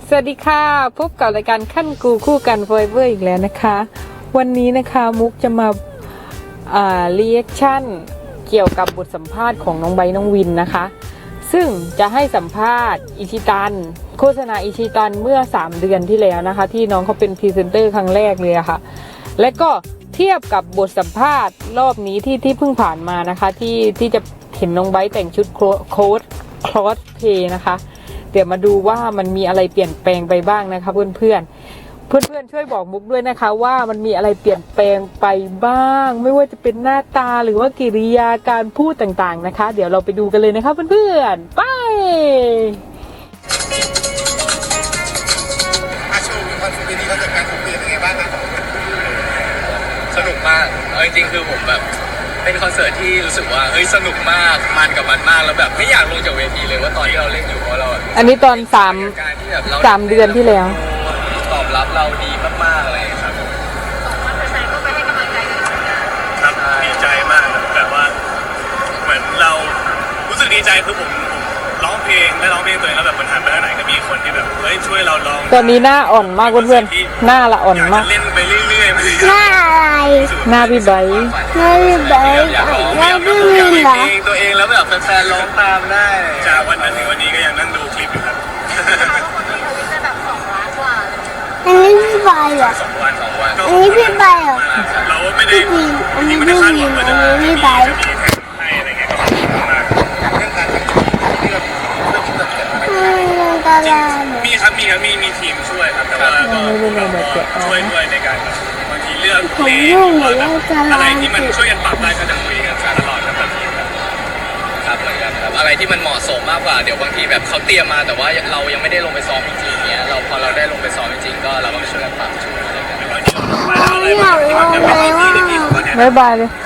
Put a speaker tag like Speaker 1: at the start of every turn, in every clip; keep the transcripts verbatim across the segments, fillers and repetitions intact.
Speaker 1: สวัสดีค่ะพบกับรายการขั้นกูคู่กันโฟร์เวอร์อีกแล้วนะคะวันนี้นะคะมุกจะมาอ่ารีแอคชั่นเกี่ยวกับบทสัมภาษณ์ของน้องไบร์ทน้องวินนะคะซึ่งจะให้สัมภาษณ์อิชิตันโฆษณาอิชิตันเมื่อสามเดือนที่แล้วนะคะที่น้องเขาเป็นพรีเซนเตอร์ครั้งแรกเลยอะค่ะและก็เทียบกับบทสัมภาษณ์รอบนี้ที่ที่เพิ่งผ่านมานะคะที่ที่จะเห็นน้องไบร์ทแต่งชุดโค้ดคลอสเพย์นะคะเดี๋ยวมาดูว่ามันมีอะไรเปลี่ยนแปลงไปบ้างนะคะเพื่อนเพื่อนเพื่อนเพื่อนช่วยบอกมุกด้วยนะคะว่ามันมีอะไรเปลี่ยนแปลงไปบ้างไม่ว่าจะเป็นหน้าตาหรือว่ากิริยาการพูดต่างๆนะคะเดี๋ยวเราไปดูกันเลยนะคะเพื่อนเพื่อนไป
Speaker 2: อาชูคอนเสิร์ตนี้เขาจัดการถูกเปลี่ยนยังไงบ้างครับ
Speaker 3: สนุกมากเอาจริงๆคือผมแบบเป็นคอนเสิร์ตที่รู้สึกว่าเฮ้ยสนุกมากมันกับมันมากแล้วแบบไม่อยากลงจากเวทีเลยว่าตอนที่เราเล่นอยู่เพราะเรา
Speaker 1: อันนี้ตอนสามสามเดือนที่แล้ว
Speaker 3: ตอบรับเราดีมากๆเลยครับ
Speaker 4: ครับดีใจมากแบบว่าเหมือนเรารู้สึกดีใจคือผมร้องเพลงได้ร้องเพลงตัวเองแล้วแบบมันหันไปทางไหนก็มีคนที่แบบเฮ้ยช่วยเราร้อง
Speaker 1: ตอนนี้หน้าอ่อนมากเพื่อนๆหน้าละอ่อนมาก
Speaker 4: เล่นไปเรื่อยๆ
Speaker 5: หน้าอะไร
Speaker 1: หน้าพี่ไบร์ท
Speaker 5: หน้าพี่ไบร์ทหน้าพี่วินเหรอ
Speaker 3: ตัวเองแล้วแบบแฟนๆร้องตามได้
Speaker 4: จากวันนั้นถึงวันนี้ก็ยังนั่งดูคลิปอยู่ครับ
Speaker 5: อันนี้พี่ไบร์ทเหรอ
Speaker 3: สองวันสองวัน
Speaker 5: อันนี้พี่ไบร์ทเหรอ
Speaker 4: เราไม่ได้
Speaker 5: พี่วินอันนี้พี่วินอันนี้พี่ไบร์ท
Speaker 4: ให้อะไรเงี้ยก็ขอบคุณมาก
Speaker 2: เรื่องการที่เราเรื่องที่เราเขียนมา
Speaker 5: อืมตาลา
Speaker 4: มีครับมีครับมีมีทีมช่วยครับแต่ว่าก็ช่วยด้วยในการบางทีเลือกเพลงอะไรที่มันช่วยกันปรับได้ก็จะคุยกันตลอดครับแบบนี้ครับ
Speaker 3: ครับเหมือนกันครับอะไรที่มันเหมาะสมมากกว่าเดี๋ยวบางทีแบบเขาเตรียมมาแต่ว่าเรายังไม่ได้ลงไปซ้อมจริงๆเนี้ยเราพอเราได้ลงไปซ้อมจริงๆก็เราก็ช่วยกันปรับช่วยอะไรกัน
Speaker 5: ไม่อยากลงเลยว่า
Speaker 1: บ๊ายบายเลย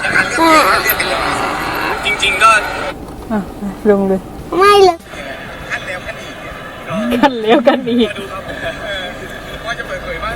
Speaker 4: จริงๆก็
Speaker 1: ลงเลย
Speaker 5: ไม่เลย
Speaker 1: กันแล้วกันอีก
Speaker 4: ว่าจะเปิดเผยว่า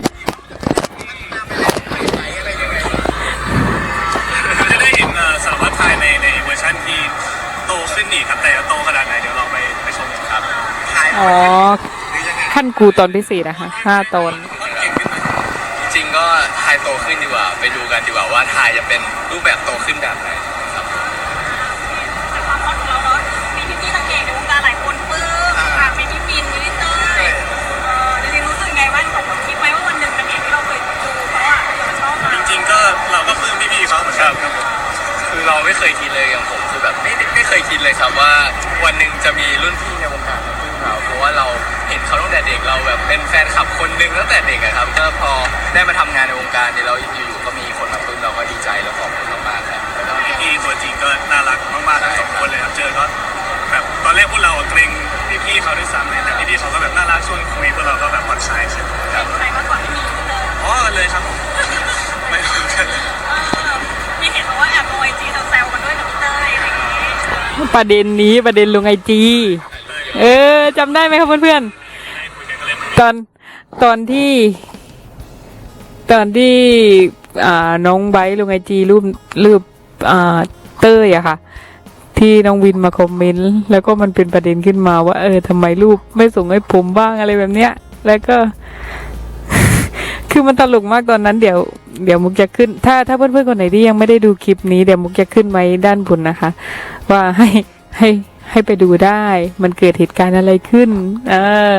Speaker 4: จะได้เห็นสารวัตรไทยในในเวอร์ชันที่โตขึ้นอีกครับแต่โตขนาดไหนเดี๋ยวเราไปไปชมกันครับ
Speaker 1: อ๋อขั้นกูตอนที่สี่นะคะห้าตอน
Speaker 3: จริงก็ไทยโตขึ้นดีกว่าไปดูกันดีกว่าว่าไทยจะเป็นรูปแบบโตขึ้นแบบไหนครับ
Speaker 6: แต่ความฮอตของเราเนาะมีพี่ๆนักเอกในวงการหลายคนปื้มค่ะมีพี่ปินมีพี่เต้ยเออจริงๆรู้สึกไงบ้างผมคิดไหมว่าวันหนึ่งนักเอกที่เราเคยดูเขาอ่ะจะชอบมา
Speaker 4: จริงๆก็เราก็ปลื้มพี่ๆเขาเหมือนกันครับ
Speaker 3: คือเราไม่เคยคิดเลยอย่างผมคือแบบไม่ไม่เคยคิดเลยครับว่าวันหนึ่งจะมีรุ่นพี่ในวงการมาปลื้มเราเพราะว่าเราเห็นเขาตั้งแต่เด็กเราแบบเป็นแฟนคลับคนหนึ่งตั้งแต่เด็กอะครับก็พอได้มาทำงานในวงการเนี่ยเราอยู่ๆก็มีคนมาปลื้มเราก็ดีใจแล้วขอบคุณมากๆครับ
Speaker 4: แล้วพี่ๆตัวจริงก็น่ารักมากๆทั้งสองคนเลยครับเจอก็แบบตอนแรกพวกเราเกรงพี่ๆเขาด้วยซ้ำเลยแต่พี่ๆเขาก็แบบน่ารักชวนคุยพวกเราก็แบบผ่อนคลายใช่ไหม
Speaker 6: ครับใครมากกว่าที่มีเลย
Speaker 4: อ๋อเลยครับไม่เหมือนกัน
Speaker 6: มีเห็นว่าแอบลงไอจีแซวกันด้วยกับพี่เต้ยอะไรอย่างงี้
Speaker 1: ประเด็นนี้ประเด็นลงไอจีเออจำได้ไหมครับเพื่อนๆตอนตอนที่ตอนที่อ่าน้องไบร์ทลงไอจีรูปรูปอ่าเต้ยอะค่ะที่น้องวินมาคอมเมนต์แล้วก็มันเป็นประเด็นขึ้นมาว่าเออทำไมรูปไม่ส่งให้ผมบ้างอะไรแบบเนี้ยแล้วก็ คือมันตลกมากตอนนั้นเดี๋ยวเดี๋ยวมุกจะขึ้นถ้าถ้าเพื่อนๆคนไหนที่ยังไม่ได้ดูคลิปนี้เดี๋ยวมุกจะขึ้นไว้ด้านบนนะคะว่าให้ให้ให้ไปดูได้มันเกิดเหตุการณ์อะไรขึ้นเออ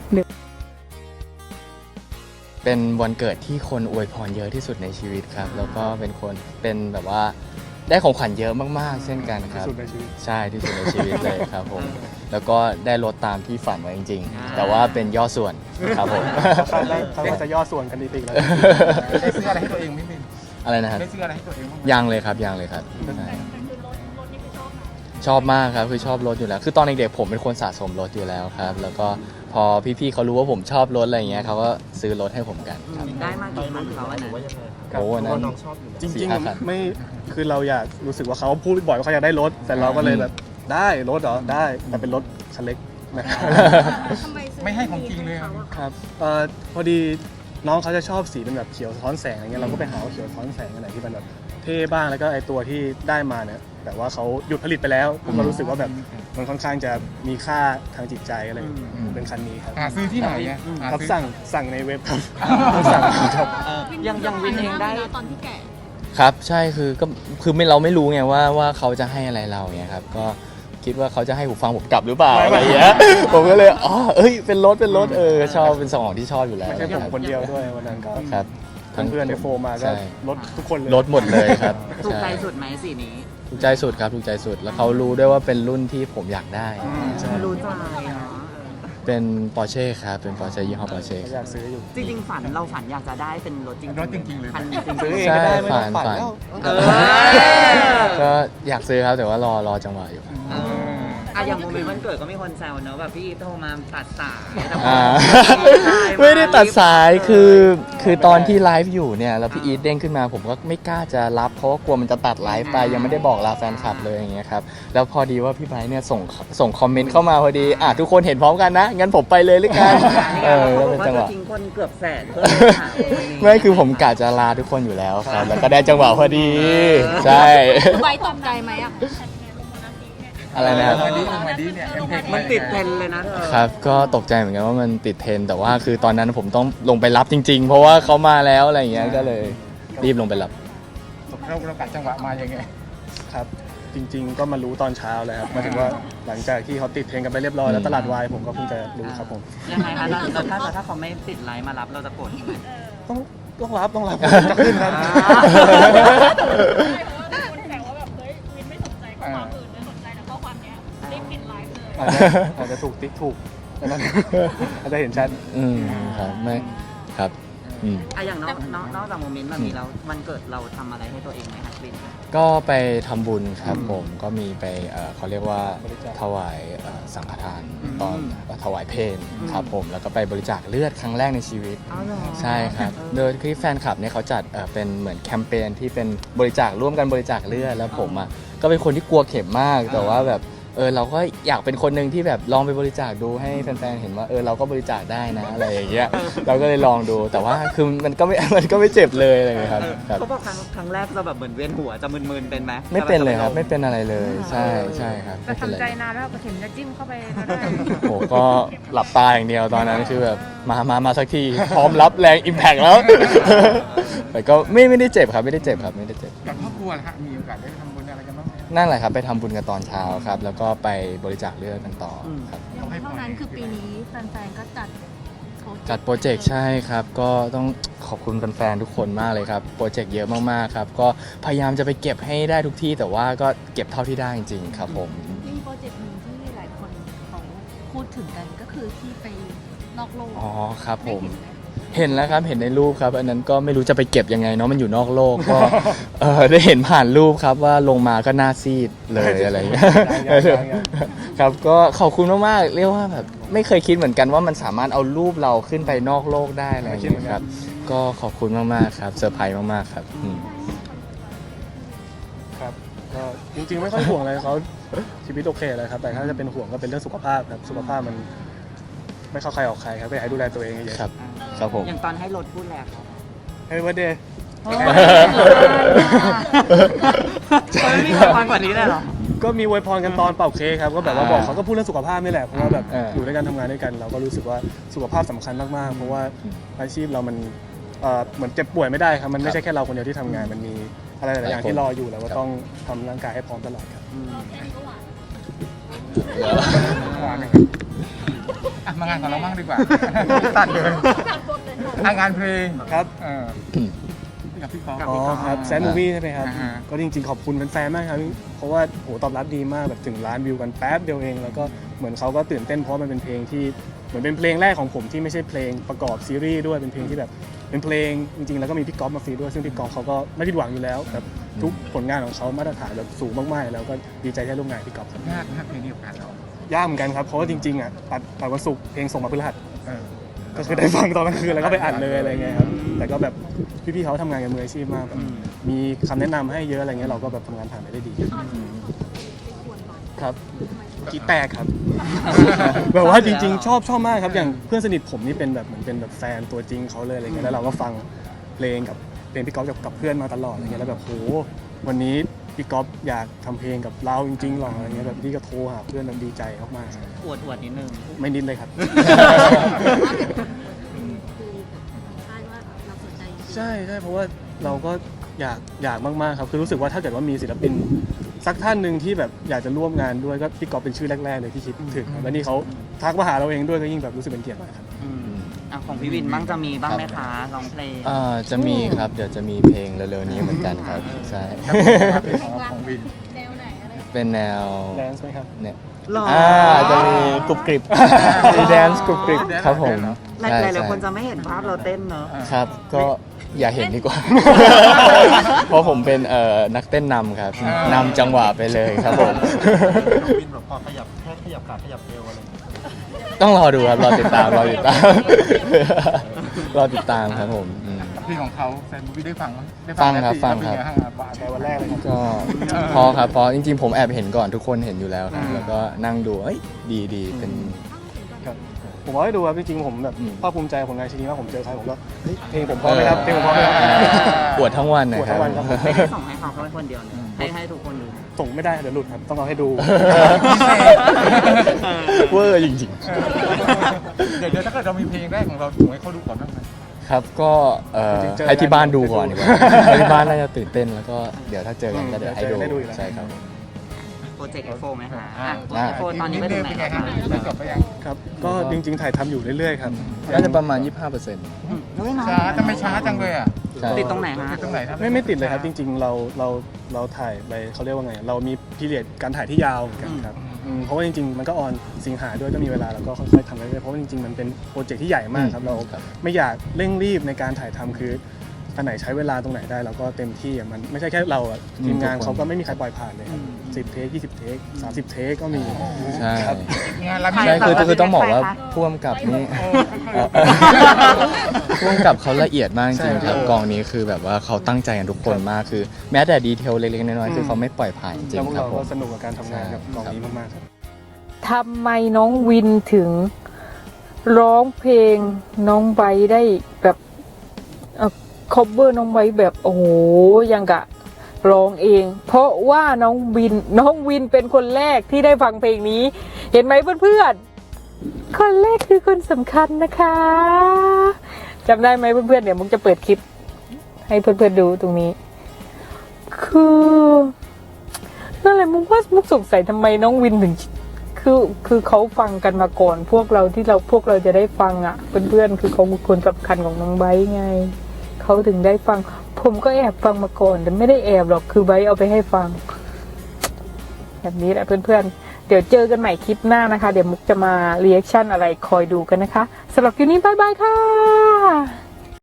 Speaker 7: เป็นวันเกิดที่คนอวยพรเยอะที่สุดในชีวิตครับแล้วก็เป็นคนเป็นแบบว่าได้ของขวัญเยอะมากๆเช่นกันครับใช่ที่สุดในชีวิตเลยครับผมแล้วก็ได้รถตามที่ฝันไว้จริงๆแต่ว่าเป็นย่อส่วนครับผม
Speaker 2: เขาจะย่อส่วนกันดีๆแล้วได้ซื้ออะไรให้ตัวเองไม่เป็น
Speaker 7: อะไรนะครับ
Speaker 2: ได้ซื้ออะไรให้ตัวเอง
Speaker 7: ยังเลยครับยังเลยครับชอบมากครับคือชอบรถอยู่แล้วคือตอนเด็กๆผมเป็นคนสะสมรถอยู่แล้วครับแล้วก็พอพี่ๆเขารู้ว่าผมชอบรถอะไรเงี้ยเขาก็ซื้อรถให้ผมกันครับ
Speaker 1: ได้มากกี่คันเขาอันนั้น
Speaker 7: โอ้นั้น
Speaker 2: จริงๆไม่คือเราอยากรู้สึกว่าเขาพูดบ่อยว่าเขาอยากได้รถแต่เราก็เลยแบบได้รถเหรอได้แต่เป็นรถคันเล็กนะครับไม่ให้ของจริงเลยครับเอ่อพอดีน้องเขาจะชอบสีเป็นแบบเขียวสะท้อนแสงอะไรเงี้ยเราก็ไปหาเขียวสะท้อนแสงอะไรที่มันแบบเท่บ้างแล้วก็ไอตัวที่ได้มาเนี่ยแต่ว่าเขาหยุดผลิตไปแล้วผมก็รู้สึกว่าแบบมันค่อนข้างจะมีค่าทางจิตใจอะไรเป็นคันนี้ครับ
Speaker 8: หาซื้อที่ไหนอ่ะหา
Speaker 2: ครับ
Speaker 8: ซื้อ
Speaker 2: สั่งสั่งในเว็บครับสั่งครับ
Speaker 5: ยังยังวินเองได้ตอนที่แก่
Speaker 7: ครับใช่คือก็คือไม่เราไม่รู้ไงว่าว่าเขาจะให้อะไรเราเนี่ยครับก็คิดว่าเขาจะให้หูฟังผมกลับหรือเปล่าอะไรอย่างเงี้ยผมก็เลยอ๋อเอ้ยเป็นรถเป็นรถเออชอบเป็นสองที่ชอบอยู่แล้ว
Speaker 2: ไม่ใช่ผมคนเดียวด้วยวันนั้นก็
Speaker 7: ครับ
Speaker 2: ทั้งเพื่อนในโฟมมาก็
Speaker 7: ใช่
Speaker 2: รถทุกคนเลย
Speaker 7: รถหมดเลยครับ
Speaker 5: ถูกใจ
Speaker 7: ช่
Speaker 5: สุดไหมสีนี้
Speaker 7: ถูกใจสุดครับถูกใจสุดแล้วเขารู้ด้วยว่าเป็นรุ่นที่ผมอยากได้
Speaker 2: ใช่
Speaker 5: รู้ใจเนาะ
Speaker 7: เป็นปอร์เช่ครับเป็นปอร์เช่ยี่ห้อปอร์เช่
Speaker 2: อยากซื้ออยู่
Speaker 5: จริงๆฝันเราฝันอยากจะได้เป็นรถจริงๆ
Speaker 8: รถจริงๆเลย
Speaker 5: คันจริงๆ
Speaker 2: ซื้อเอง
Speaker 7: ใช่
Speaker 2: ก็ได้ไม่ต้อง
Speaker 7: ฝั
Speaker 2: ฝั
Speaker 7: น
Speaker 2: น
Speaker 7: ฝัน
Speaker 2: แล้ว
Speaker 5: เออ
Speaker 7: ก็อยากซื้อครับแต่ว่ารอรอจังหวะอยู่
Speaker 5: เอออะอย่างโมเมนต์วันเกิดก็มีคนแซวเนอะแบบพี่โทรมาตัดสายแต่พอ
Speaker 7: อ่า
Speaker 5: ไม่
Speaker 7: ไม่ได้ตัดสายคือคือตอนที่ไลฟ์อยู่เนี่ยแล้วพี่อีทเด้งขึ้นมาผมก็ไม่กล้าจะรับเพราะว่ากลัวมันจะตัดไลฟ์ไปยังไม่ได้บอกลาแฟนคลับเลยอย่างเงี้ยครับแล้วพอดีว่าพี่ไบร์ทเนี่ยส่งส่งคอมเมนต์เข้ามาพอดีอ่ะทุกคนเห็นพร้อมกันนะงั้นผมไปเลยหรือกันเออ
Speaker 5: เขา
Speaker 7: ก็
Speaker 5: บ
Speaker 7: เป็
Speaker 5: อน กว่า
Speaker 7: จังห
Speaker 5: จะ
Speaker 7: วะ
Speaker 5: ทิ้งคนเกือบแสนเพื่อหาคนนี้
Speaker 7: ไม่คือผมกะจะลาทุกคนอยู่แล้วครับแล้วก็ได้จังหวะพอดีใช่
Speaker 6: ใบตกใจไหมอ่ะ
Speaker 7: อะไรนะครับ
Speaker 8: มาดีมาดีเนี่ย M Tech
Speaker 5: มันติดเทรนด์เลยนะเธอ
Speaker 7: ครับก็ตกใจเหมือนกันว่ามันติดเทรนด์แต่ว่าคือตอนนั้นผมต้องลงไปรับจริง ๆ เพราะว่าเขามาแล้วอะไรอย่างเงี้ยก็เลยรีบลงไปรับ
Speaker 8: เราเรากัดจังหวะมายังไง
Speaker 2: ครับ จริง ๆ ก็มารู้ตอนเช้าเลยครับหมายถึงว่าหลังจากที่เขาติดเทรนด์กันไปเรียบร้อยแล้วตลาดวายผมก็เพิ่งจะรู้ครับผม
Speaker 5: ยังไงคะแล้วถ้าถ้าเขาไม่ติดไลน์มารับเราจะโกรธไหม
Speaker 2: ต้องต้องรับต้องรับจะขึ้นครับ
Speaker 5: อ่า
Speaker 6: คุณแต่ว่าแบบเฮ้ยวินไม่สนใจข้อความอื่นเลยสนใจแต่ข้อความเนี้ยรีบปิดไลฟ์เลย
Speaker 2: อาจจะอาจจะถูกติ๊กถูกอันนั้น อาจจะเห็นชัด
Speaker 7: อืมครับไม่ครับอืม
Speaker 5: อะอย่างนอกนอกนอกจากโมเมนต์แบบนี้แล้ววันเกิดเราทำอะไรให้ตัวเองไหมคะลิน
Speaker 7: ก็ไปทำบุญครับ
Speaker 2: อืม
Speaker 7: ผมก็มีไปเอ่อเขาเรียกว่า
Speaker 2: บริจาค
Speaker 7: ถวายเอ่อสังฆทาน
Speaker 5: อืม
Speaker 7: ตอนถวายเพล
Speaker 5: อืม
Speaker 7: ครับผมแล้วก็ไปบริจาคเลือดครั้งแรกในชีวิต
Speaker 5: อ๋อเหรอ
Speaker 7: ใช่ครับ โดยที่แฟนคลับเนี่ยเขาจัดเอ่อเป็นเหมือนแคมเปญที่เป็นบริจาคร่วมกันบริจาคเลือดแล้วผมอ่ะก็เป็นคนที่กลัวเข็มมาก แต่ว่าแบบเออเราก็อยากเป็นคนหนึ่งที่แบบลองไปบริจาคดูให้แฟนๆเห็นว่าเออเราก็บริจาคได้นะอะไรอย่างเงี้ยเราก็เลยลองดูแต่ว่าคือมันก็ไม่ มันก็ไม่เจ็บเลยอะไรอย่างเงี้ยครับครับ
Speaker 5: เขาบอกครั้งครั้งแรกจะแบบเหมือนเวียนหัวจะมึนๆเป็นไหม
Speaker 7: ไม่เป็นเลยครับไม่เป็นอะไรเลยใช่ใช่ครับ
Speaker 6: แต่
Speaker 7: ไม่เป็นไร
Speaker 6: ทำใจนานแล้วก็เข็มจะจิ้มเข้าไปก็ได้
Speaker 7: โอ้โหก็หลับตาอย่างเดียวตอนนั้นคือแบบมามามาสักทีพร้อมรับแรงอิมแพกแล้ว แต่ก็ไม่ไม่ได้เจ็บครับไม่ได้เจ็บครับไม่ได้เจ็บ
Speaker 8: กับครอบครัวนะฮะมีโอกาสได้ทำบุญอะไรกันบ้างไหม
Speaker 7: นั่นแหละครับไปทำบุญกันตอนเช้าครับ แล้วก็ไปบริจาคเลือดกันต่อครับ
Speaker 8: เขาให้พ
Speaker 9: เท่าร นั้นคือปีนี้แฟนๆ ก็จัด
Speaker 7: จัดโปรเจกต์ใช่ครับ ก็ต้องขอบคุณแฟนๆทุกคนมากเลยครับโปรเจกต์เยอะมากๆครับก็พยายามจะไปเก็บให้ได้ทุกที่ แต่ว่าก็เก็บเท่าที่ได้จริงๆครับผม
Speaker 9: มีโปรเจกต์หนึ่งที่หลายคนเขาพูดถึงกันก็คือที่ไปนอกโลก
Speaker 7: อ๋อครับผม
Speaker 9: ได้เห็นไหม
Speaker 7: เห็นแล้วครับเห็นในรูปครับ อันนั้นก็ไม่รู้จะไปเก็บยังไงเนาะมันอยู่นอกโลกก็ เออได้เห็นผ่านรูปครับว่าลงมาก็หน้าซีดเลยอะไรอย่างเงี้ย
Speaker 2: ยังยังยัง
Speaker 7: ครับก็ขอบคุณมากๆเรียกว่าแบบไม่เคยคิดเหมือนกันว่ามันสามารถเอารูปเราขึ้นไปนอกโลกได้อะไรอย่างเงี้ยครับก็ขอบคุณมากๆครับเซอร์ไพรส์มากๆครับอืม
Speaker 2: ครับก็จริงๆไม่ค่อยห่วงอะไรเขาชีวิตโอเคเลยครับแต่ถ้าจะเป็นห่วงก็เป็นเรื่องสุขภาพครับสุขภาพมันไม่เข้าใครออกใครครับก็อยากให้ดูแลตัวเองเยอะๆ
Speaker 7: ครับครับผม
Speaker 5: อย่างตอนให้รถพูดแหละครับ
Speaker 2: ให้วันเดย์
Speaker 5: ไม่มีความกว่านี้เลยเหรอ
Speaker 2: ก็มีอวยพรกันตอนเป่าเค้กครับก็แบบว่า
Speaker 7: อ่า
Speaker 2: บอกเขาก็พูดเรื่องสุขภาพนี่แหละเพราะว่าแบบ
Speaker 7: เออ
Speaker 2: อ
Speaker 7: อยู่
Speaker 2: ด้วยกันทำงานด้วยกัน เราก็รู้สึกว่าสุขภาพสำคัญมากๆเพราะว่า
Speaker 7: อืม
Speaker 2: อาชีพเรามันเอ่อเหมือนเจ็บป่วยไม่ได้ครับมัน
Speaker 7: ครั
Speaker 2: ไม่
Speaker 7: บ
Speaker 2: ใช่แค่เราคนเดียวที่ทำงานมันมีอะไรหลายๆอย่าง
Speaker 7: หลายคน
Speaker 2: ที่รออยู่แล้วก็
Speaker 7: ครับ
Speaker 2: ต้องทำร่างกายให้พร้อมตลอดครับ
Speaker 8: หวานนะครับอ่ะมางานของเราบ้างดีกว่าตัดเลยอ่ะงานเพลง
Speaker 2: ครับ
Speaker 8: เออกับพี่กอล์ฟ
Speaker 2: อ๋อครับแซนมูวี่ใช่ไหมครับ
Speaker 8: อ่าฮะ
Speaker 2: ก็จริงๆขอบคุณแฟนๆมากครับเพราะว่าโหตอบรับดีมากแบบถึงล้านวิวกันแป๊บเดียวเองแล้วก็เหมือนเขาก็ตื่นเต้นเพราะมันเป็นเพลงที่เหมือนเป็นเพลงแรกของผมที่ไม่ใช่เพลงประกอบซีรีส์ด้วยเป็นเพลงที่แบบเป็นเพลงจริงๆแล้วก็มีพี่ก๊อฟมาฟีดด้วยซึ่งพี่ก๊อฟเขาก็ไม่ผิดหวังอยู่แล้วแบบทุกผลงานของเขามาตรฐานแบบสูงมากๆแล้วก็ดีใจที่ได้ร่วมงานกับพี่ก๊อฟครับ
Speaker 8: ยากมากเพลงนี้กับการเรา
Speaker 2: ยากเหมือนกันครับเพราะว่าจริงๆอ่ะตัดตัดวันศุกร์เพลงส่งมาพฤหัส
Speaker 8: เออ
Speaker 2: ก็คือได้ฟังตอนกลางคืนแล้วก็ไปอัดเลยอะไรเงี้ยครับแต่ก็แบบพี่ๆเขาทำงานกันมืออาชีพมากแบบมีคำแนะนำให้เยอะอะไรเงี้ยเราก็แบบทำงานผ่านไปได้ดีครับกีแตกครับ แบบว่าจริงๆ ชอบชอบมากครับอย่างเพื่อนสนิทผมนี่เป็นแบบเหมือนเป็นแบบแฟนตัวจริงเขาเลยอะไรเงี้ยแล้วเราก็ฟังเพลงกับเพลงพี่ก๊อฟกับกับเพื่อนมาตลอดอะไรเงี้ยแล้วแบบโหวันนี้พี่ก๊อฟอยากทำเพลงกับเราจริงๆหรออะไรเงี้ยแบบพี่ก็โทรหาเพื่อนมันดีใจมากๆ
Speaker 5: อวดอวดนิดนึง
Speaker 2: ไม่นิดเลยครับ ใช่ใช่เพราะว่าเราก็อยากอยากมากๆครับคือรู้สึกว่าถ้าเกิดว่ามีศิลปินสักท่านหนึ่งที่แบบอยากจะร่วมงานด้วยก็พี่ก๊อฟเป็นชื่อแรกๆเลยที่คิดถึงครับแล้วนี่เขาทักมาหาเราเองด้วยก็ยิ่งแบบรู้สึกเป็นเกียรติมากครับ
Speaker 5: อืมอ่ะของพี่วินบ้างจะมีบ้างไหมคะร้องเพลง
Speaker 7: อ่าจะมีครับเดี๋ยวจะมีเพลงเร็วๆนี้เหมือนกันครับใช่
Speaker 8: ของวิน
Speaker 6: แนวไหนอะไร
Speaker 7: เป็นแนว
Speaker 2: แดนซ์ไหมครับ
Speaker 7: เนี่ย
Speaker 5: หรอ
Speaker 7: อ่าจะมีกรุบกริบมีแดนซ์กรุบกริบครับผม
Speaker 5: หลาย
Speaker 7: ใช่
Speaker 5: หลาย
Speaker 7: ใช่
Speaker 5: คนจะไม่เห็นภาพเราเต้นเนอะ
Speaker 7: ครับก็อย่าเห็นดีกว่า เพราะผมเป็นเอ่อนักเต้นนำครับนำจังหวะไปเลยครับผม
Speaker 8: วินแบบพอขยับแค่ขยับขาขยับเอวอะไร
Speaker 7: ต้องรอดูครับรอติดตามรอติดตาม รอติดตามครับผมอืม
Speaker 8: เพลงของเขาแฟนมูวี่ได้ฟังไหมได้
Speaker 7: ฟังครับ
Speaker 8: แล้ว
Speaker 7: ฟัง
Speaker 8: เป็น
Speaker 7: ครับ
Speaker 8: ไบ้างอ่ะ
Speaker 2: ในวันแรกเลยครับ
Speaker 7: ก็พอครับพอจริงๆผมแอบเห็นก่อนทุกคนเห็นอยู่แล้วครับแล้วก็นั่งดูเอ้ยดีดีเป็น
Speaker 2: ผมว่าให้ดูครับจริงๆผมแบบ
Speaker 7: อืม
Speaker 2: ภาคภูมิใจผลงานชิ้นนี้มากผมเจอใครผมก็เฮ้ยเพลงผมพร้อมไหมครับเพลงผมพร้อมไหมครับ
Speaker 7: ปวดทั้งวันนะ
Speaker 2: ปวด
Speaker 7: ครั
Speaker 2: ทั้
Speaker 7: บ
Speaker 2: งวันครับ
Speaker 5: ไม่ได้ส่งให้เขาเขาเป็นคนเดียวนะให้ให้ทุกคนดู
Speaker 2: ส่งไม่ได้เดี๋ยวหลุดครับต้องเอาให้ดู
Speaker 7: เวอร์จริง
Speaker 8: เดี๋ยวเดี๋ยวถ้าเกิดเรามีเพลงแรกของเราถูกให้เขาดูก่อนบ้างไหม
Speaker 7: ๆ ครับก็เอ่อ
Speaker 2: จริงๆเจอ
Speaker 7: ให้ที่บ้านดูก่อน
Speaker 2: กัน
Speaker 7: ดีกว่าให้ที่บ้านน่าจะตื่นเต้นแล้วก็เดี๋ยวถ้าเจอกันก็เดี๋ยวให้ดู
Speaker 2: เดี๋ยวได้ดูอยู่แล้ว
Speaker 7: ใช่ครับ
Speaker 5: โปรเจกต์ เอฟ โฟร์ ไหมคะ
Speaker 8: อ่า
Speaker 5: โปรเจกต์ เอฟ โฟร์ ตอนนี้ไปถึงไหน
Speaker 8: เป็นไง
Speaker 5: แล้ว
Speaker 8: ครั
Speaker 5: คะ
Speaker 8: บได้จบไปยัง
Speaker 2: ครับก็จริงๆถ่ายทำอยู่เรื่อยๆครับ
Speaker 7: น่าจะประมาณ ยี่สิบห้าเปอร์เซ็นต์
Speaker 5: อืมเฮ้ยน้อย
Speaker 8: ช้าทำไมช้าจังเลยอ่ะ
Speaker 7: ใช่
Speaker 5: ติดตรงไหนฮะ
Speaker 8: ติดตรงไหนครับ
Speaker 2: ไม่ไม่ติดเลยครับจริงๆเราเราเราถ่ายไปเขาเรียกว่าไงเรามีพีเรียดการถ่ายที่ยาวเหมือนกันครับอืมเพราะว่าจริงๆมันก็ออนสิงหาด้วยก็มีเวลาแล้วก็ค่อยๆทำไปเรื่อยๆเพราะว่าจริงๆมันเป็นโปรเจกต์ที่ใหญ่มากครับเรา
Speaker 7: ครับ
Speaker 2: ไม่อยากเร่งรีบในการถ่ายทำคืออันไหนใช้เวลาตรงไหนได้เราก็เต็มที่อะมันไม่ใช่แค่เราอะทีมงานเขาก็ไม่มีใครปล่อยผ่านเลยครับสิบเทคยี่สิบเทคสามสิบเทคก็มี
Speaker 7: ใช่
Speaker 2: ครับ
Speaker 8: งานเรามี
Speaker 7: ใช่คือคือต้องบอกว่าพ่วงกับนี่พ่วงกับเขาละเอียดมากจริงๆครับกองนี้คือแบบว่าเขาตั้งใจกันทุกคนมากคือ แม้แต่ดีเทลเล็กๆน้อยๆคือเขาไม่ปล่อยผ่านจริ
Speaker 2: แล้ว
Speaker 7: ง
Speaker 2: พวก
Speaker 7: ๆครับ
Speaker 2: เรา
Speaker 7: ผ
Speaker 2: ก็
Speaker 7: ม
Speaker 2: สนุกกับการทำงานกับกองนี้มากๆครับ
Speaker 1: ทำไมน้องวินถึงร้องเพลงน้องไบร์ทได้แบบเอ่อ cover น้องไบร์ทแบบโอ้โหยังกะร้องเอง เพราะว่าน้องวินน้องวินเป็นคนแรกที่ได้ฟังเพลงนี้ เห็นไหมเพื่อนๆคนแรกคือคนสำคัญนะคะจำได้ไหมเพื่อนๆเดี๋ยวมุกจะเปิดคลิป ให้เพื่อนๆดูตรงนี้ คือนั่นแหละมุกว่ามุกสงสัยทำไมน้องวินถึง คือคือเขาฟังกันมาก่อน พวกเราที่เราพวกเราจะได้ฟังอ่ะเพื่อนๆคือเขาเป็นคนสำคัญของน้องไบร์ทไงเขาถึงได้ฟัง ผมก็แอบฟังมาก่อนแต่ไม่ได้แอบหรอกคือไบร์ทเอาไปให้ฟัง แบบนี้แหละเพื่อนๆเดี๋ยวเจอกันใหม่คลิปหน้านะคะ เดี๋ยวมุกจะมารีแอคชั่นอะไรคอยดูกันนะคะสำหรับคลิปนี้บายบายค่ะ